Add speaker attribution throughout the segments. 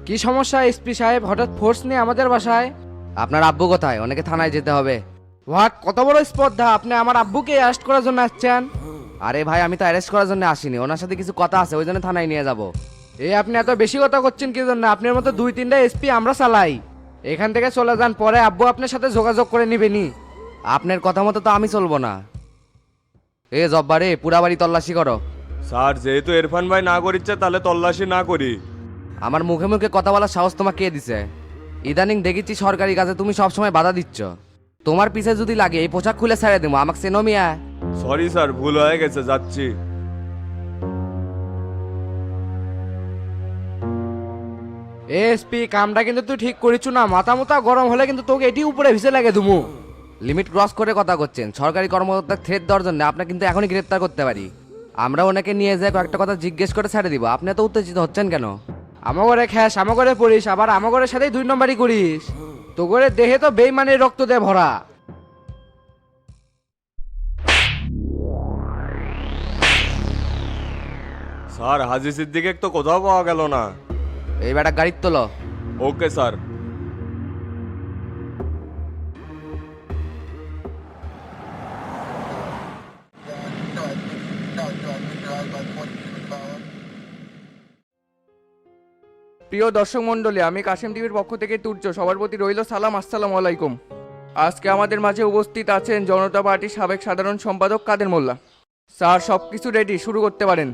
Speaker 1: কি সমস্যা এসপি সাহেব, হঠাৎ ফোর্স নিয়ে আমাদের বাসায়?
Speaker 2: আপনার আব্বু কোথায়? অনেকে থানায় যেতে হবে।
Speaker 1: হোয়াট, কত বড় স্পর্ধা! আপনি আমার আব্বুকে অ্যারেস্ট করার জন্য আসছেন?
Speaker 2: আরে ভাই, আমি তো অ্যারেস্ট করার জন্য আসিনি, ওনার সাথে কিছু কথা আছে, ওই জন্য থানায় নিয়ে যাব।
Speaker 1: এই আপনি এত বেশি কথা করছেন কি জন্য? আপনার মতো 2-3টা এসপি আমরা চালাই। এখান থেকে চলে যান, পরে আব্বু আপনার সাথে যোগাযোগ করে নিবেনি।
Speaker 2: আপনার কথা মতো তো আমি চলবো না। জব্বারে, পুরা বাড়ি তল্লাশি করো।
Speaker 3: স্যার, যেহেতু ইরফান ভাই না করিচ্ছে তাহলে তল্লাশি না করি।
Speaker 2: আমার মুখে মুখে কথা বলার সাহস তোমাকে কে দিছে? ইদানিং দেখেছি সরকারি কাজে তুমি সবসময় বাধা দিচ্ছ। তোমার পিছে যদি লাগে এই পোশাক খুলে ছেড়ে দেবো, আমাকে চেনো মিয়া?
Speaker 3: সরি স্যার, ভুল হয়ে গেছে, যাচ্ছি।
Speaker 1: এসপি, কামটা কিন্তু তুই ঠিক করিস না। মাথা মোতা গরম হলে কিন্তু তোকে এটি উপরে ভিসে লাগে দুমু।
Speaker 2: লিমিট ক্রস করে কথা করছেন। সরকারি কর্মকর্তার থ্রেট দেওয়ার জন্য আপনাকে কিন্তু এখনই গ্রেপ্তার করতে পারি। আমরা ওনাকে নিয়ে যাই, কয়েকটা কথা জিজ্ঞেস করে ছেড়ে দিব। আপনি তো উত্তেজিত হচ্ছেন কেন?
Speaker 1: আমাগরে খ্যাস, আমাগরে পড়িস, আবার আমাগরের সাথেই 2 নম্বরই করিস। তো করে দেহে তো বেইমানের রক্ত দিয়ে ভরা।
Speaker 3: স্যার, হাজি সিদ্দিকে তো কোথাও পাওয়া গেল না।
Speaker 2: এই বেটা গাড়ির তোলো।
Speaker 3: Okay sir.
Speaker 1: প্রিয় দর্শক মণ্ডলী, আমি কাশেম টিভির পক্ষ থেকে তুর্য সবার প্রতি রইল সালাম, আসসালামু আলাইকুম। আজকে আমাদের মাঝে উপস্থিত আছেন জনতা পার্টির সাবেক সাধারণ সম্পাদক কাদের মোল্লা। স্যার, সব কিছু রেডি, শুরু করতে পারেন।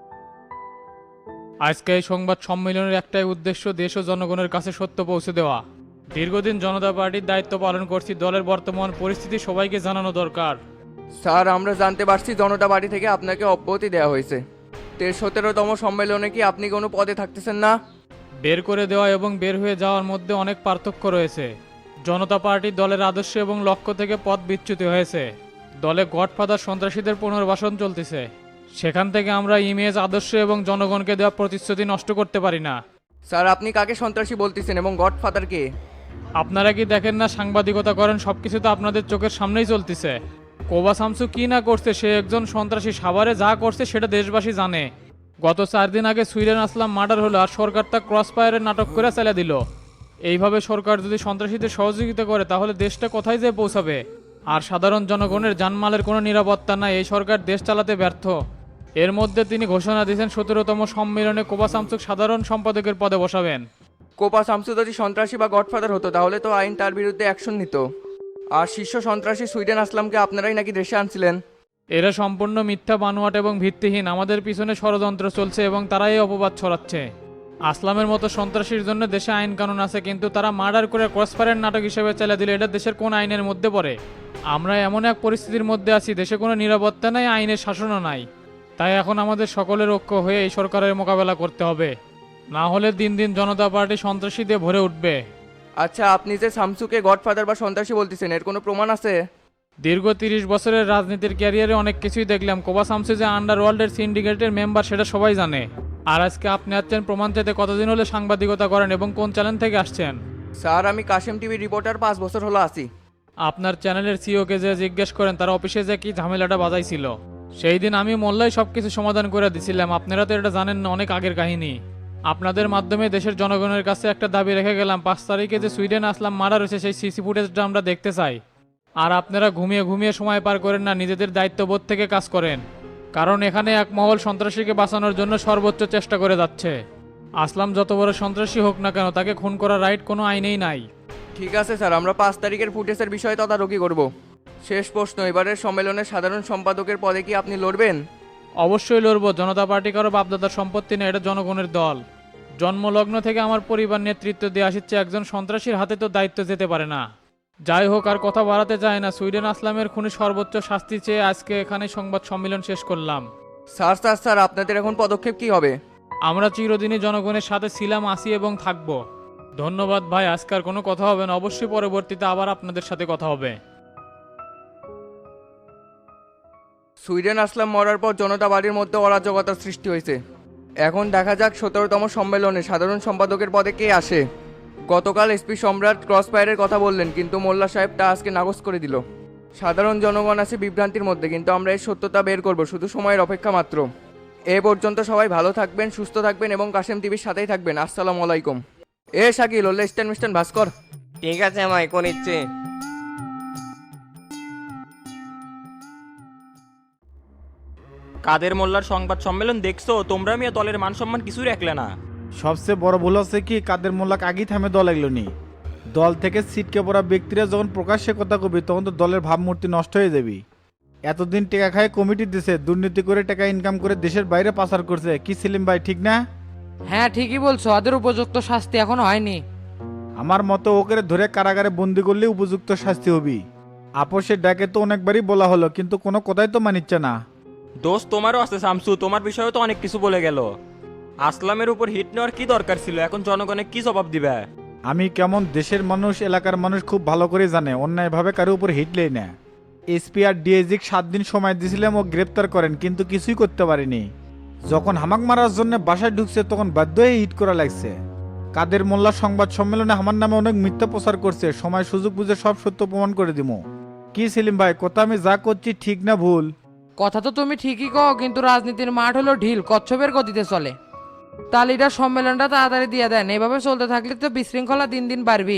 Speaker 4: আজকে এই সংবাদ সম্মেলনের একটাই উদ্দেশ্য, দেশ ও জনগণের কাছে সত্য পৌঁছে দেওয়া। দীর্ঘদিন জনতা পার্টির দায়িত্ব পালন করছি, দলের বর্তমান পরিস্থিতি সবাইকে জানানো দরকার।
Speaker 1: স্যার, আমরা জানতে পারছি জনতা পার্টি থেকে আপনাকে অব্যাহতি দেওয়া হয়েছে। 17তম সম্মেলনে কি আপনি কোনো পদে থাকতেছেন না?
Speaker 4: বের করে দেওয়া এবং বের হয়ে যাওয়ার মধ্যে অনেক পার্থক্য রয়েছে। জনতা পার্টির দলের আদর্শ এবং লক্ষ্য থেকে পথ বিচ্যুত হয়েছে। দলে গডফাদার সন্ত্রাসীদের পুনর্বাসন চলতেছে। সেখান থেকে আমরা ইমেজ, আদর্শ এবং জনগণকে দেওয়া প্রতিশ্রুতি নষ্ট করতে পারি না।
Speaker 1: স্যার, আপনি কাকে সন্ত্রাসী বলতেছেন এবং গডফাদার কে?
Speaker 4: আপনারা কি দেখেন না, সাংবাদিকতা করেন, সবকিছু তো আপনাদের চোখের সামনেই চলতেছে। কোবা শামসু কি না করছে, সে একজন সন্ত্রাসী। সাভারে যা করছে সেটা দেশবাসী জানে। গত 4 দিন আগে সুইডেন আসলাম মার্ডার হলো, আর সরকার তা ক্রস ফায়ারের নাটক করে চালিয়ে দিল। এইভাবে সরকার যদি সন্ত্রাসীদের সহযোগিতা করে তাহলে দেশটা কোথায় যেয়ে পৌঁছাবে? আর সাধারণ জনগণের জানমালের কোনো নিরাপত্তা নাই। এই সরকার দেশ চালাতে ব্যর্থ। এর মধ্যে তিনি ঘোষণা দিয়েছেন 17তম সম্মেলনে কোবা শামসুক সাধারণ সম্পাদকের পদে বসাবেন।
Speaker 1: কোপা শামসু যদি সন্ত্রাসী বা গডফাদার হতো তাহলে তো আইন তার বিরুদ্ধে অ্যাকশন নিত। আর শীর্ষ সন্ত্রাসী সুইডেন আসলামকে আপনারাই নাকি দেশে আনছিলেন।
Speaker 4: এরা সম্পূর্ণ মিথ্যা, বানোয়াট এবং ভিত্তিহীন। আমাদের পিছনে ষড়যন্ত্র চলছে এবং তারাই অপবাদ ছড়াচ্ছে। আসলামের মতো সন্ত্রাসীর জন্য দেশে আইন কানুন আছে, কিন্তু তারা মার্ডার করে ক্রসফায়ারের নাটক হিসেবে চালিয়ে দিলে এটা দেশের কোন আইনের মধ্যে পড়ে? আমরা এমন এক পরিস্থিতির মধ্যে আছি, দেশে কোনো নিরাপত্তা নাই, আইনের শাসনও নাই। তাই এখন আমাদের সকলের ঐক্য হয়ে এই সরকারের মোকাবেলা করতে হবে, না হলে দিন দিন জনতা পার্টি সন্ত্রাসী দিয়ে ভরে উঠবে।
Speaker 1: আচ্ছা, আপনি যে শামসুকে গডফাদার বা সন্ত্রাসী বলতেছেন, এর কোনো প্রমাণ আছে?
Speaker 4: দীর্ঘ 30 বছরের রাজনীতির ক্যারিয়ারে অনেক কিছুই দেখলাম। কোবা শামসু যে আন্ডারওয়ার্ল্ডের সিন্ডিকেটের মেম্বার সেটা সবাই জানে। আর আজকে আপনি আসছেন প্রমাণ চাইতে। কতদিন হলে সাংবাদিকতা করেন এবং কোন চ্যানেল থেকে আসছেন?
Speaker 1: স্যার, আমি কাশেম টিভি রিপোর্টার, 5 বছর হলো আছি।
Speaker 4: আপনার চ্যানেলের সিওকে যে জিজ্ঞেস করেন তারা অফিসে যে কি ঝামেলাটা বাজাইছিল, সেই দিন আমি মোল্লাই সব কিছু সমাধান করে দিছিলাম। আপনারা তো এটা জানেন না, অনেক আগের কাহিনী। আপনাদের মাধ্যমে দেশের জনগণের কাছে একটা দাবি রেখে গেলাম, 5 তারিখে যে সুইডেন আসলাম মার্ডার হয়েছে সেই সিসি ফুটেজটা আমরা দেখতে চাই। আর আপনারা ঘুমিয়ে ঘুমিয়ে সময় পার করেন না, নিজেদের দায়িত্ববোধ থেকে কাজ করেন। কারণ এখানে এক মহল সন্ত্রাসীকে বাঁচানোর জন্য সর্বোচ্চ চেষ্টা করে যাচ্ছে। আসলাম যত বড় সন্ত্রাসী হোক না কেন, তাকে খুন করার রাইট কোনো আইনেই নাই।
Speaker 1: ঠিক আছে স্যার, আমরা 5 তারিখের ফুটেজের বিষয়ে তদারকি করব। শেষ প্রশ্ন, এবারের সম্মেলনের সাধারণ সম্পাদকের পদে কি আপনি লড়বেন?
Speaker 4: অবশ্যই লড়বো। জনতা পার্টি কারো বাপদাদার সম্পত্তি না, এটা জনগণের দল। জন্মলগ্ন থেকে আমার পরিবার নেতৃত্ব দিয়ে আসছে, একজন সন্ত্রাসীর হাতে তো দায়িত্ব যেতে পারে না। যাই হোক, আর কথা বাড়াতে চায় না। সুইডেন আসলামের খুনি সর্বোচ্চ শাস্তি চেয়ে আজকে এখানে সংবাদ সম্মেলন শেষ করলাম।
Speaker 1: স্যার স্যার স্যার, আপনাদের এখন পদক্ষেপ কি হবে?
Speaker 4: আমরা চিরদিনই জনগণের সাথে ছিলাম, আছি এবং থাকব। ধন্যবাদ ভাই, আজকার কোনো কথা হবে না। অবশ্যই পরবর্তীতে আবার আপনাদের সাথে কথা হবে।
Speaker 1: সুইডেন আসলাম মরার পর জনতা পার্টির মধ্যে অরাজকতার সৃষ্টি হয়েছে। এখন দেখা যাক 17তম সম্মেলনে সাধারণ সম্পাদকের পদে কে আসে। গতকাল এসপি সম্রাট ক্রসফায়ারের কথা বললেন, কিন্তু মোল্লা সাহেব তা আজকে নাকচ করে দিল। সাধারণ জনগণ আছে বিভ্রান্তির মধ্যে, কিন্তু আমরা এর সত্যতা বের করব, শুধু সময়ের অপেক্ষা মাত্র। এ পর্যন্ত সবাই ভালো থাকবেন, সুস্থ থাকবেন এবং কাশেম টিভির সাথেই থাকবেন। আসসালামু আলাইকুম। এ শাকিল ওলে স্ট্যান্ড মিস্ট্যান্ড ভাস্কর।
Speaker 5: ঠিক আছে ভাই কোন ইচ্ছে।
Speaker 6: কাদের মোল্লার সংবাদ সম্মেলন দেখছো তোমরা? মিয়া দলের মান সম্মান কিছুই রাখলে না।
Speaker 7: সবচেয়ে বড় ভুল হচ্ছে কি কাদের মোল্লাক আগেই থামে দল এগুলো নি। দল থেকে সিটকে পড়া ব্যক্তিরা যখন প্রকাশ্যে কথা কবি তখন তো দলের ভাবমূর্তি নষ্ট হয়ে যাবি। এতদিন টাকা খায় কমিটি দিছে, দুর্নীতি করে টাকা ইনকাম করে দেশের বাইরে পাচার করছে, কি সেলিম ভাই ঠিক না?
Speaker 8: হ্যাঁ ঠিকই বলছো, ওদের উপযুক্ত শাস্তি এখনো হয়নি।
Speaker 7: আমার মতো ওকে ধরে কারাগারে বন্দি করলে উপযুক্ত শাস্তি হবি। আপোষের ডাকে তো অনেকবারই বলা হলো কিন্তু কোনো কথাই তো মানিচ্ছে না।
Speaker 6: দোষ তোমারও আছে শামসু, তোমার বিষয়ে তো অনেক কিছু বলে গেল। আসলামের উপর হিট নেওয়ার কি দরকার ছিল? এখন জনগণে কি জবাব দিবে?
Speaker 7: আমি কেমন দেশের মানুষ এলাকার মানুষ খুব ভালো করে জানে অন্যায়ভাবে কারো উপর হিটলেই না। এসপি আর ডিএজিক 7 দিন সময় দিয়েছিলাম ও গ্রেপ্তার করেন কিন্তু কিছুই করতে পারিনি। যখন হামাক মারার জন্য বাসায় ঢুকছে তখন বাধ্য হয়ে হিট করা লাগছে। কাদের মোল্লা সংবাদ সম্মেলনে আমার নামে অনেক মিথ্যা প্রচার করছে, সময় সুযোগ বুঝে সব সত্য প্রমাণ করে দিব। কি সেলিম ভাই কথা আমি যা করছি ঠিক না ভুল?
Speaker 8: কথা তো তুমি ঠিকই কও, কিন্তু রাজনীতির মাঠ হলো ঢিল, কচ্ছপের গতিতে চলে। তাহলে এটা সম্মেলনটা তাড়াতাড়ি দিয়ে দেন, এভাবে চলতে থাকলে তো বিশৃঙ্খলা দিন দিন বাড়বি।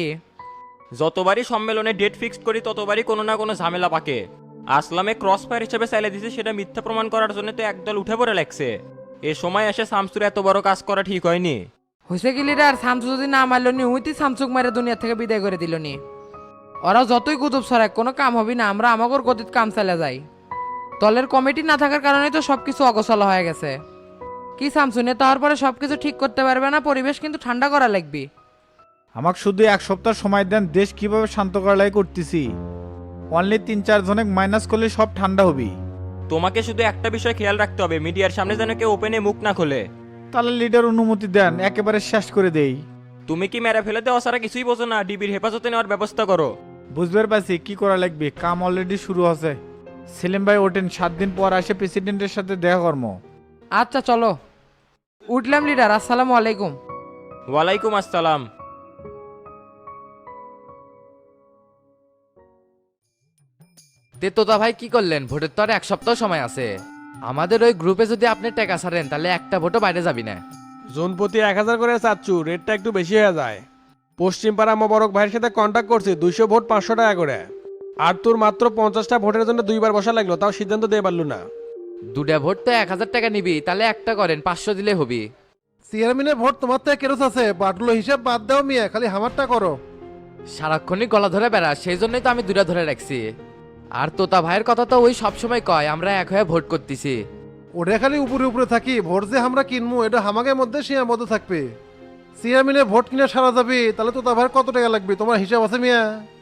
Speaker 6: যতবারই সম্মেলনে ডেট ফিক্সড করি ততবারই কোনো না কোনো ঝামেলা পাকে। আসলামে ক্রস ফায়ার হিসেবে চাইলে দিছে, সেটা মিথ্যা প্রমাণ করার জন্য তো একদল উঠে পড়ে লাগছে। এ সময় এসে শামসুর এত বড় কাজ করা ঠিক হয়নি।
Speaker 8: হয়েছে কি লিডার, শামসু যদি না মারল নি উইতি শামসুক মেরে দুনিয়া থেকে বিদায় করে দিল নি। ওরা যতই কুতুব ছড়ায় কোনো কাম হবি না, আমরা আমাগর গতিত কাম চালে যাই। দলের কমিটি না থাকার কারণে তো সবকিছু অগোছাল হয়ে গেছে। কি শামসু নেতা হওয়ার পরে সবকিছু ঠিক করতে পারবে না, পরিবেশ কিন্তু ঠান্ডা করা লাগবে।
Speaker 7: আমাকে শুধু 1 সপ্তাহ সময় দেন, দেশ কিভাবে শান্ত করা লাগে করতেছি। অনলি 3-4 জনের মাইনাস করলে সব ঠান্ডা হবি।
Speaker 6: তোমাকে শুধু একটা বিষয় খেয়াল রাখতে হবে, মিডিয়ার সামনে যেন কেউ ওপেনে মুখ না খোলে।
Speaker 7: তাহলে লিডার অনুমতি দেন, একেবারে শেষ করে দেই।
Speaker 6: তুমি কি মেরে ফেলে দেওয়া ছাড়া কিছুই বোঝো না? ডিবির হেফাজতে নেওয়ার ব্যবস্থা করো।
Speaker 7: বুঝবার পারছি কি করা লাগবে, কাম অলরেডি শুরু আছে। সেলিম ভাই ওঠেন, 7 দিন পর আসে প্রেসিডেন্টের সাথে দেখা কর্ম।
Speaker 8: আচ্ছা চলো উঠলাম লিডার, আসসালামু আলাইকুম।
Speaker 6: ওয়ালাইকুম আসসালাম।
Speaker 2: তে তোতা ভাই কি করলেন? ভোটের তো আর 1 সপ্তাহ সময় আছে। আমাদের ওই গ্রুপে যদি আপনি টাকা ছাড়েন তাহলে একটা ভোটও বাইরে যাবি না।
Speaker 3: জোনপতি 1000 করে চাচ্ছু, রেটটা একটু বেশি হয়ে যায়। পশ্চিম পাড়া মোবারক ভাইয়ের সাথে কন্ট্যাক্ট করছি, 200 ভোট 500 টাকা করে। আর তোর মাত্র 50টা ভোটের জন্য 2বার বসা লাগলো, তাও সিদ্ধান্ত দিয়ে পারলো না।
Speaker 2: 2টা ভোট তো 1000 টাকা নিবি, তাহলে একটা করেন 500 দিলে হবি।
Speaker 9: চেয়ারম্যানের ভোট তোমার থেকে কেরস আছে, বাটলো হিসাব বাদ দাও মিয়া, খালি হামারটা করো।
Speaker 2: সারাক্ষণই গলা ধরে বেড়া, সেই জন্যই তো আমি 2টা ধরে রাখছি। আর তোতা ভাইয়ের কথা তো ওই সবসময় কয় আমরা এক হয়ে ভোট করতেছি।
Speaker 9: ওটা খালি উপরে উপরে থাকি, ভোট যে আমরা কিনবো এটা হামাকের মধ্যে সীমাবদ্ধ থাকবে। চেয়ারম্যানের ভোট কিনে সারা যাবে, তাহলে তো তার কত টাকা লাগবে তোমার হিসাব আছে মিয়া?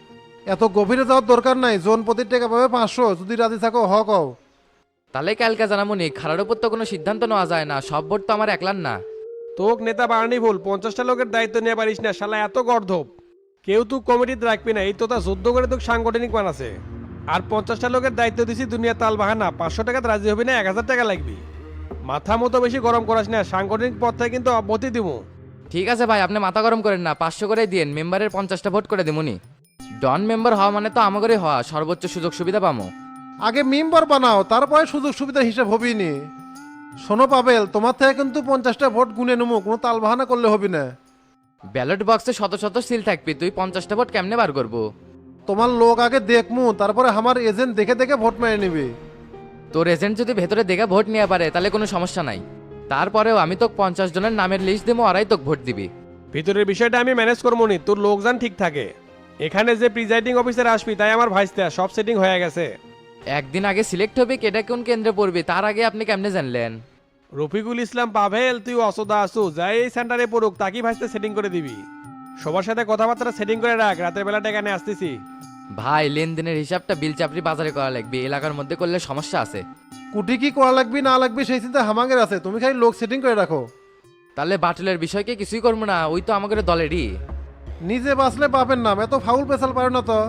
Speaker 9: এত গভীরে যাওয়ার দরকার নাই, জোন প্রতি টাকা পাবে 500, যদি রাজি থাকো কও।
Speaker 2: তাহলে কালকে জানামুনি, খারার উপর তো কোনো সিদ্ধান্ত নেওয়া যায় না, সব ভোট তো আমার একলার না।
Speaker 3: তোক নেতা বাড়ানি ভুল, 50টা লোকের দায়িত্ব নিয়ে পারিস না, শালা এত গর্ধব। কেউ তুই কমিটিতে রাখবি না, এই তো তা যুদ্ধ করে তোকে সাংগঠনিক বানাছে। আর 50টা লোকের দায়িত্ব দিছি দুনিয়া তাল বাহানা, 500 টাকাতে রাজি হবি না, 1000 টাকা লাগবে। মাথা মতো বেশি গরম করাস না, সাংগঠনিক পদ থেকে কিন্তু অব্যাহতি দিব।
Speaker 2: ঠিক আছে ভাই, আপনি মাথা গরম করেন না, 500 করে দিয়েন, মেম্বারের 50টা ভোট করে দিমুনি। ডন মেম্বার হওয়া মানে তো আমাদেরই হওয়া, সর্বোচ্চ সুযোগ সুবিধা পামো।
Speaker 9: আগে মেম্বার বানাও, তারপরে সুযোগ সুবিধার হিসাব হবেই নি। শোনো পাবেল, তোমার থেকে কিন্তু 50টা ভোট গুনে নেবো, কোনো তাল বাহানা করলে হবে না।
Speaker 2: ব্যালট বক্সে শত শত সিল থাকবি, তুই 50টা ভোট কেমনে বার করবো?
Speaker 9: তোমার লোক আগে দেখমু, তারপরে আমার এজেন্ট দেখে দেখে ভোট মেরে নিবে।
Speaker 2: তোর এজেন্ট যদি ভেতরে দেখে ভোট নিয়ে পারে তাহলে কোনো সমস্যা নাই। তারপরেও আমি তোকে 50 জনের নামের লিস্ট দেবো, ওরাই তোকে ভোট দিবি।
Speaker 3: ভিতরের বিষয়টা আমি ম্যানেজ করবো নি, তোর লোকজন ঠিক থাকে। এখানে যে প্রিজাইডিং অফিসার আসবি তাই আমার ভাইস্তা, সব সেটিং হয়ে গেছে।
Speaker 2: একদিন আগে সিলেক্ট হবে কেটা কোন কেন্দ্রে পড়বি, তার আগে আপনি কেমনে জানলেন?
Speaker 3: রফিকুল ইসলাম পাভেল, তুই অসদা আসু, যাই এই সেন্টারে পড়ুক তাকে ভাইস্তা সেটিং করে দিবি। সবার সাথে কথাবার্তা সেটিং করে রাখ, রাতের বেলাটা এখানে আসতেছি।
Speaker 2: ভাই লেনদেনের হিসাবটা বিল চাপড়ি বাজারে করা লাগবে, এলাকার মধ্যে করলে সমস্যা আছে।
Speaker 9: কুটি কি করা লাগবে না লাগবে সেই চিন্তা হামাগের আছে, তুমি খালি লোক সেটিং করে রাখো।
Speaker 2: তাহলে বাটুলের বিষয়কে কিছুই করবো না, ওই তো আমাদের দলেরই।
Speaker 9: নিজে বাঁচলে পাবেন নাম, এত ফাউল পেশাল পারে না তো।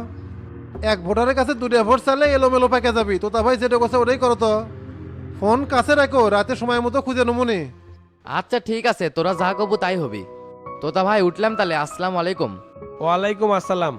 Speaker 9: এক ভোটারের কাছে 2টা ভোট চাইলে এলোমেলো প্যাকে যাবি, তো তা ভাই যেটা কথা ওটাই করো তো। ফোন কাছে রাখো, রাতে সময় মতো খুঁজে নমুনি।
Speaker 2: আচ্ছা ঠিক আছে, তোরা যা কবু তাই হবি। তোতা ভাই উঠলাম তাহলে, আসসালামু আলাইকুম।
Speaker 3: ওয়ালাইকুম আসসালাম।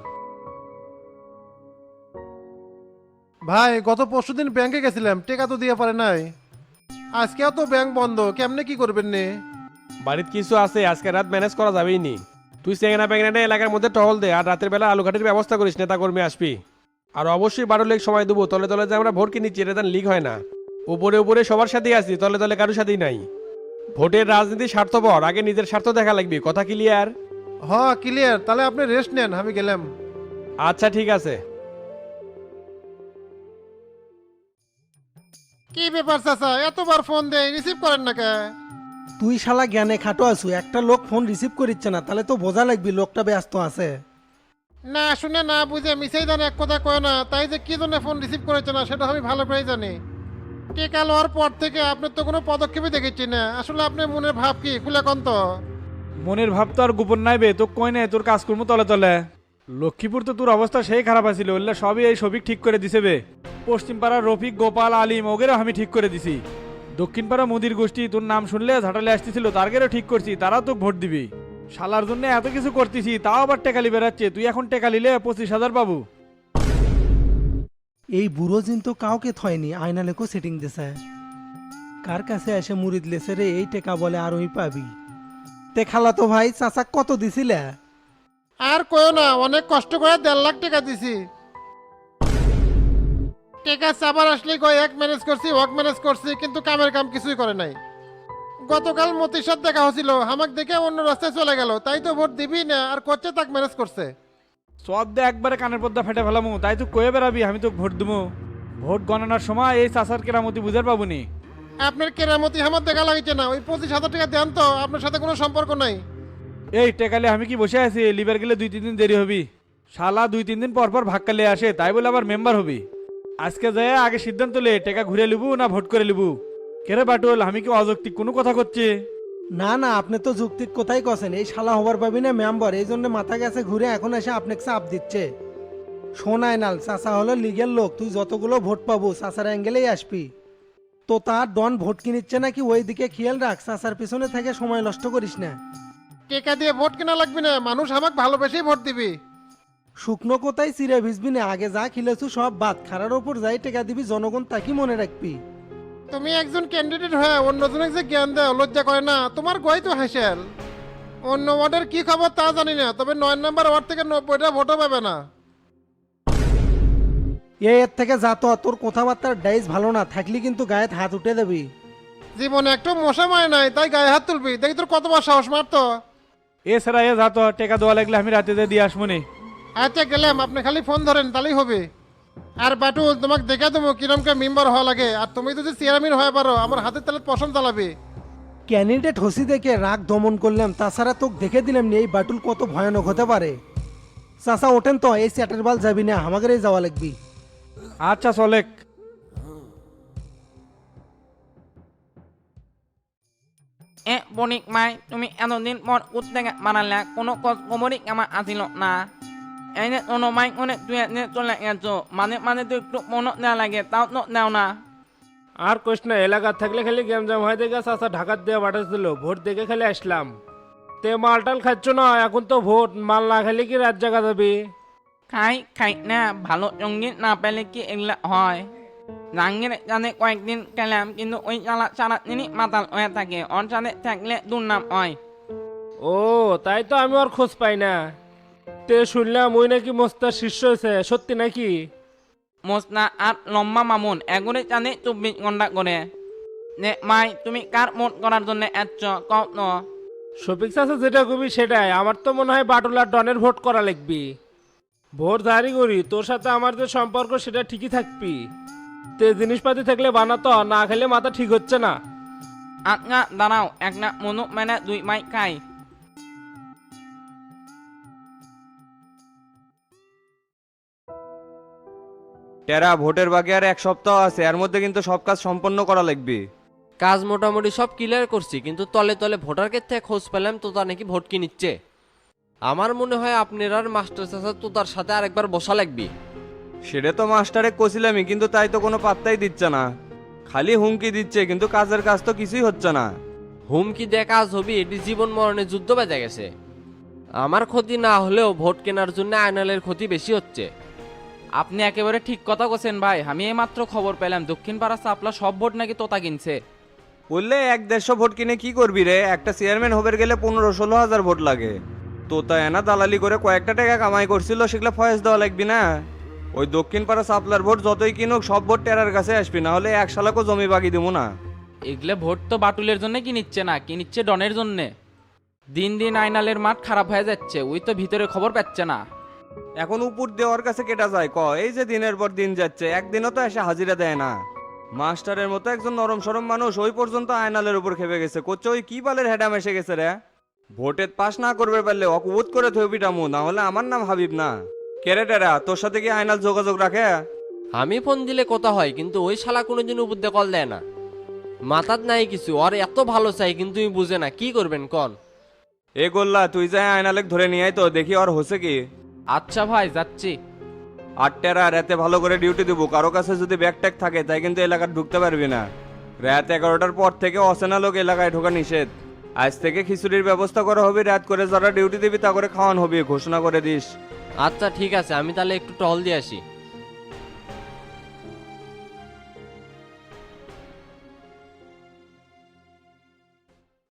Speaker 9: ভাই গত পরশুদিন ব্যাংকে গেছিলাম, টাকা তো দিয়ে পারে নাই। আজকেও তো ব্যাংক বন্ধ, কেমনে কি করবেন নে?
Speaker 3: বাড়িতে কিছু আছে, আজকে রাত ম্যানেজ করা যাবেই নি। তুই চেঙ্গা প্যাংনা এলাকার মধ্যে টহল দে, আর রাতের বেলা আলুঘাটের ব্যবস্থা করিস, নেতা কর্মী আসবি। আর অবশ্যই 12 লেগ সময় দেবো, তলে তলে যে আমরা ভোট কিনেছি এটা যেন লিক হয় না। উপরে উপরে সবার সাথেই আছি, তলে তলে কারোর সাথেই নাই। ভোটের রাজনীতি স্বার্থপর, আগে নিজের স্বার্থ দেখা লাগবে, কথা ক্লিয়ার?
Speaker 9: হ ক্লিয়ার, তাহলে আপনি রেস্ট নেন, আমি গেলাম।
Speaker 3: আচ্ছা ঠিক আছে।
Speaker 9: কি ব্যাপার চাচা, এতবার ফোন দেয় রিসিভ করেন না কে?
Speaker 10: তুই শালা জ্ঞানে খাটো আছু, একটা লোক ফোন রিসিভ করিচ্ছে না, তাহলে তো বোঝা লাগবি লোকটা ব্যস্ত আছে।
Speaker 9: না শুনে না বুঝে মিসেই জানে এক কথা কয় না, তাই যে কি জন্য ফোন রিসিভ করেছে না সেটা আমি ভালো করেই জানি। টিকা লওয়ার পর থেকে আপনার তো কোনো পদক্ষেপই দেখেছি না, আসলে আপনার মনের ভাব কি খুলে কন তো।
Speaker 11: মনের ভাব তো আর গোপন নাইবে, তো কই নাই তোর কাজ করবো তলে তলে। লক্ষ্মীপুর তো তোর অবস্থা সেই খারাপ আছিল, ওগুলা সবই এই সবিক ঠিক করে দিছে বে। পশ্চিম পাড়ার রফিক, গোপাল, আলিম ওগেরও আমি ঠিক করে দিছি। দক্ষিণ পাড়া মুদির গোষ্ঠী তোর নাম শুনলে ঝাঁটালে আসতেছিল, তারগেরও ঠিক করছি, তারাও তো ভোট দিবি। শালার জন্য এত কিছু করতেছি, তাও আবার টেকালি বেড়াচ্ছে। তুই এখন টেকা নিলে 25,000 পাবো।
Speaker 10: এই বুড়ো জিন তো কাউকে থয়নি, আয়না লেখো সেটিং দিছে। কার কাছে এসে মুরিদ লেছে রে, এই টেকা বলে আর ওই পাবি। তে খালা তো ভাই চাচা কত দিছিলে?
Speaker 9: আর কয়ও না, অনেক কষ্ট করে 1.5 লাখ টাকা দিছি। টাকা চাবার আসলে কয় এক ম্যানেজ করছি ওয়াক ম্যানেজ করছি, কিন্তু কামের কাম কিছুই করে নাই। গতকাল মতির সাথে দেখা হয়েছিল, আমাকে দেখে অন্য রাস্তায় চলে গেল, তাই তো ভোট দিবি না আর করছে তাক ম্যানেজ করছে।
Speaker 11: সব দিয়ে একবারে কানের পর্দা ফেটে ফেলামু, তাই তুই কয়ে বেড়াবি আমি তো ভোট দেবো। ভোট গণনার সময় এই চাষার কেরামতি বুঝার পাবনি।
Speaker 9: আপনার কেরামতি আমার দেখা লাগছে না, ওই 25,000 টাকা দেন তো, আপনার সাথে কোনো সম্পর্ক নাই।
Speaker 11: এই টেকালে আমি কি বসে আছি? লিবার গেলে 2-3 দিন দেরি হবি। শালা 2-3 দিন পর পর ভাক্কালে আসে, তাই বলে আবার মেম্বার হবি। আজকে যায় আগে সিদ্ধান্ত লে, টেকা ঘুরে লিবু না ভোট করে লিবু। কেরে বাটুল, আমি কি অযৌক্তিক কোনো কথা করছি?
Speaker 10: না না, আপনি তো যুক্তির কথাই কছেন। এই শালা হবার পাবি না মেম্বার, এই জন্য মাথা গেছে ঘুরে এখন এসে আপনাকে চাপ দিচ্ছে। শোনায় নাল, চাচা হলো লিগের লোক, তুই যতগুলো ভোট পাবো চাচার অ্যাঙ্গেলেই আসবি। তো তার ডন ভোট কিনিচ্ছে নাকি ওই দিকে খেয়াল রাখ, চাচার পিছনে থেকে সময় নষ্ট করিস না।
Speaker 9: টাকা দিয়ে ভোট কেনা লাগবে না, মানুষ আমাকে ভালোবেসেই ভোট দিবি।
Speaker 10: শুকনো কোথায় চিরে ভিজবি না, আগে যা খিলেছু সব বাদ, খারার ওপর যাই টেকা দিবি জনগণ তাকি মনে রাখবি।
Speaker 9: তুমি একজন ক্যান্ডিডেট হয়ে অন্যজনকে যে জ্ঞান দেয় লজ্জা করে না তোমার? গই তো হাসেল। অন্য ওয়ার্ডের কি খবর তা জানি না, তবে 9 নম্বর ওয়ার্ড থেকে 90টা ভোটও পাবে না।
Speaker 10: এর থেকে যা তো, তোর কথাবার্তার ডাইস ভালো না, থাকলি কিন্তু গায়ে হাত উঠে দেবি।
Speaker 9: জীবনে একটু মশা মায় নাই, তাই গায়ে হাত তুলবি? দেখি তোর কতবার সাহস মারতো।
Speaker 11: এছাড়া এ যা তো, টেকা দেওয়া লাগলে আমি রাতে দিয়ে দিয়ে আসবো নি।
Speaker 9: আচ্ছা গেলাম, আপনি খালি ফোন ধরেন তাহলেই হবে। আর বাটুল তোমাকে দেখে দেবো কিরমকে মেম্বার হওয়া লাগে, আর তুমি যদি চেয়ারম্যান হয়ে পারো আমার হাতের তালে পছন্দ চালাবে।
Speaker 10: ক্যান্ডিডেট হসি দেখে রাগ দমন করলাম, তাছাড়া তোকে দেখে দিলাম নি এই বাটুল কত ভয়ানক হতে পারে। চাচা ওঠেন তো, এই চ্যাটের বাল যাবি না, আমাদেরই যাওয়া লাগবি।
Speaker 11: আচ্ছা চলেক।
Speaker 5: বণিক মাই তুমি এতদিন পর উদ্যোগে বানালে, কোনো খবরই আমার আসিল না। এই যে কোনো মাই অনেক তুই চলে গেছো, মানে মানে তো একটু মনে দেওয়া লাগে, তাও তো দেও না।
Speaker 3: আর কোশ না, এলাকা থাকলে খালি গেম জাম হয়ে দেখে চাচা ঢাকার দিয়ে পাঠাচ্ছিল, ভোট দেখে খালি আসলাম। তে মালটাল খাচ্ছ না, এখন তো ভোট, মাল না খালি কি রাত জাগা যাবি?
Speaker 5: খাই খাই না, ভালো সঙ্গী না পেলে কি এগুলা হয়? রাঙ্গের জানে কয়েকদিন গেলাম, কিন্তু ওই সারাদিনই মাতাল হয়ে থাকে, ওর সাথে থাকলে দুর্নাম হয়।
Speaker 3: ও তাই তো, আমি আর খোঁজ পাই না। তে শুনলাম ওই নাকি মোস্তার শীর্ষ হয়েছে, সত্যি নাকি?
Speaker 5: মোসনা আর লম্বা মামুন এগুলি জানে 24 ঘন্টা করে। নে মাই তুমি কার ভোট করার জন্য এসছ কও তো?
Speaker 3: শফিক চাচা যেটা কবি সেটাই, আমার তো মনে হয় বাটুলার ডনের ভোট করা লাগবি। ভোট জারি করি, তোর সাথে আমার যে সম্পর্ক সেটা ঠিকই থাকবি। তে জিনিসপাতি থাকলে বানাতো, না খেলে মাথা ঠিক হচ্ছে না।
Speaker 5: আজ্ঞা দাঁড়াও, এক না মনু মানে 2 মাই খাই।
Speaker 1: টেরা ভোটের বাকি আর 1 সপ্তাহ আছে, এর মধ্যে কিন্তু সব কাজ সম্পন্ন করা লাগবে।
Speaker 2: কাজ মোটামুটি সব ক্লিয়ার করছি, কিন্তু তলে তলে ভোটারকে থেকে খোঁজ পেলাম তো তার নাকি ভোট কিনিচ্ছে। আমার মনে হয় আপনার আর মাস্টার চাচা তো তার সাথে আরেকবার বসা লাগবে।
Speaker 1: সেটা তো মাস্টারে কছিলামই, কিন্তু তাই তো কোনো পাত্তাই দিচ্ছে না, খালি হুমকি দিচ্ছে, কিন্তু কাজের কাজ তো কিছুই হচ্ছে না।
Speaker 2: হুমকি দিয়ে কাজ হবে? এটি জীবন মরণের যুদ্ধ বেজে গেছে। আমার ক্ষতি না হলেও ভোট কেনার জন্য আয়নালের ক্ষতি বেশি হচ্ছে।
Speaker 5: আপনি একেবারে ঠিক কথা বলছেন ভাই, আমি এইমাত্র খবর পেলাম দক্ষিণ পাড়া সাপলা সব ভোট নাকি তোতা কিনছে।
Speaker 1: বললে 1-150 ভোট কিনে কি করবি রে? একটা চেয়ারম্যান হবার গেলে 15-16 হাজার ভোট লাগে। তো তা এনা দালালি করে কয়েকটা টাকা কামাই করছিল সেগুলো ফয়েজ দেওয়া লাগবি না। ওই দক্ষিণ পাড়া সাপ্লার ভোট যতই কিনুক সব ভোট টেরার কাছে আসবি, না হলে এক শালাকও জমি বাকি দেবো না।
Speaker 5: এগুলো ভোট তো বাটুলের জন্য কিনিচ্ছে না, কিনিচ্ছে ডনের জন্যে। দিন দিন আইনালের মাঠ খারাপ হয়ে যাচ্ছে, ওই তো ভিতরে খবর পাচ্ছে না।
Speaker 1: এখন উপর দেওয়ার কাছে কেটা যায় ক? এই যে দিনের পর দিন যাচ্ছে, একদিনও তো এসে হাজিরা দেয় না। মাস্টারের মতো একজন নরম সরম মানুষ ওই পর্যন্ত আয়নালের উপর খেপে গেছে, করছে ওই কি বালের হেডাম এসে গেছে রে। ভোটে পাস না করবে পারলে অকুবোধ করে থইবিটামু, না হলে আমার নাম হাবিব না। কেরে টেরা, তোর সাথে কি আয়নাল যোগাযোগ রাখে?
Speaker 12: আমি ফোন দিলে কথা হয়, কিন্তু ওই শালা কোনোদিন উপর দিয়ে কল দেয় না। মাথাত নাই কিছু, আর এত ভালো চাই কিন্তু তুমি বুঝে না, কি করবেন কন?
Speaker 1: এ গোল্লা, তুই যাই আয়নালেক ধরে নিয়ে আয় তো, দেখি আর হচ্ছে কি।
Speaker 5: আচ্ছা ভাই, যাচ্ছি।
Speaker 1: আর টেরা, রাতে ভালো করে ডিউটি দেবো, কারো কাছে যদি ব্যাগ ট্যাগ থাকে তাই কিন্তু এলাকায় ঢুকতে পারবি না। রাত 11টার পর থেকে অচেনা লোক এলাকায় ঢোকা নিষেধ। আজ থেকে খিচুড়ির ব্যবস্থা করা হবে, রাত করে যারা ডিউটি দিবি তা করে খাওয়ান হবে, ঘোষণা করে দিস।
Speaker 12: আচ্ছা ঠিক আছে, আমি তাহলে একটু টহল দিয়ে আসি।